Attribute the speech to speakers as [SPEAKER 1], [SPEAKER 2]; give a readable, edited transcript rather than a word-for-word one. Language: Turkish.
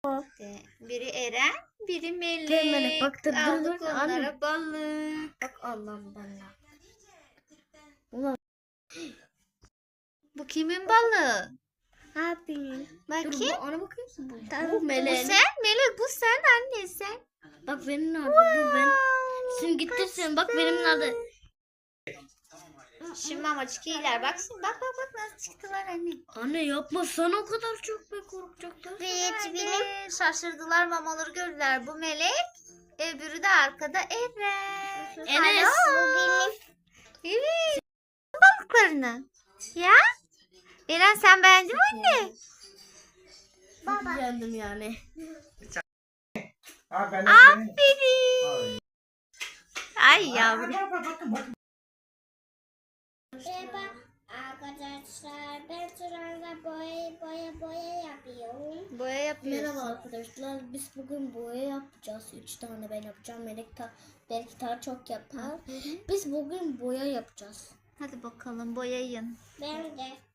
[SPEAKER 1] Biri Eren, biri Melek.
[SPEAKER 2] Melek, bak, dur,
[SPEAKER 1] Aldık
[SPEAKER 2] dur.
[SPEAKER 1] onlara
[SPEAKER 2] Anne.
[SPEAKER 1] balık.
[SPEAKER 2] Bak Allah'ım bana. Ulan
[SPEAKER 1] Bu kimin balığı?
[SPEAKER 2] abi.
[SPEAKER 1] Bakayım.
[SPEAKER 2] Ona bakıyor musun? Bu
[SPEAKER 1] Bu
[SPEAKER 2] Melek.
[SPEAKER 1] sen, Melek bu sen anne sen.
[SPEAKER 2] Bak benim nerede? Bu ben. Şimdi gitti sen. Bak benim nerede?
[SPEAKER 1] Şimdi mamaçık iyiler. Baksın bak nasıl çıktılar anne.
[SPEAKER 2] Anne yapma, sana o kadar çok be korkacaklar.
[SPEAKER 1] Benim. Şaşırdılar mamaları gördüler. Bu Melek. Öbürü de arkada Eren.
[SPEAKER 2] Enes.
[SPEAKER 1] Bu benim. Evet. Balıklarını. Ya. Eren sen beğendin mi anne?
[SPEAKER 2] Çok beğendim yani.
[SPEAKER 1] Aferin. Ay yavrum.
[SPEAKER 3] Merhaba arkadaşlar, ben şu anda boya yapıyorum.
[SPEAKER 1] Boya yapıyorsun.
[SPEAKER 2] Merhaba arkadaşlar. Biz bugün boya yapacağız. 3 tane ben yapacağım. Belki daha çok yapar. Biz bugün boya yapacağız.
[SPEAKER 1] Hadi bakalım boyayın.
[SPEAKER 3] Ben de.